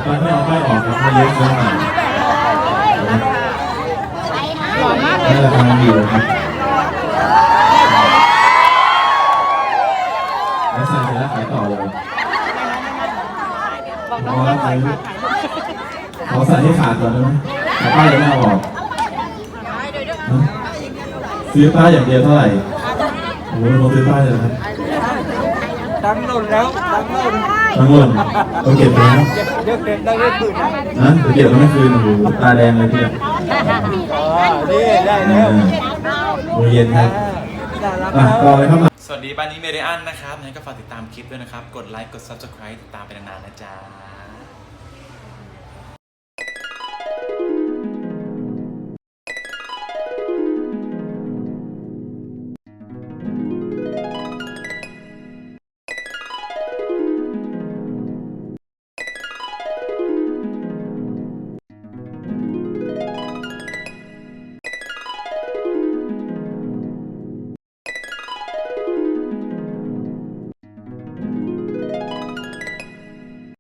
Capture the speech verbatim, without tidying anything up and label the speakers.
Speaker 1: ป้ายไม่เอาป้ายออกครับไม่เยอะเกินไปนี่ราคาดีเลยครับแล้วใส่เสร็จแล้วขายต่อเลยเพราะว่าเขาใส่ให้ขาดก่อนได้ไหมแต่ป้ายยังไม่เอาออกซื้อป้ายอย่างเดียวเท่าไหร่โอ้โหเราซื้อป้ายเลยครับ
Speaker 2: ตั้งหล่นแล้วตั้งหล่น
Speaker 1: ตั้งหล่นเราเก็บไปแล้ว
Speaker 2: เก็บเก็บได้ไม่คืน
Speaker 1: นะเราเก็บแล้วไม่คืนโอ้โหตาแดงเลยทีเดียว
Speaker 2: นี่ได้แล้ว
Speaker 1: โมเย็นครับอ่ะต่อเลยครับ
Speaker 3: สวัสดีบ้านนี้เมเดียนนะครับงั้นก็ฝากติดตามคลิปด้วยนะครับกดไลค์กด ซับสไครบ์ ติดตามไปนานๆนะจ๊ะ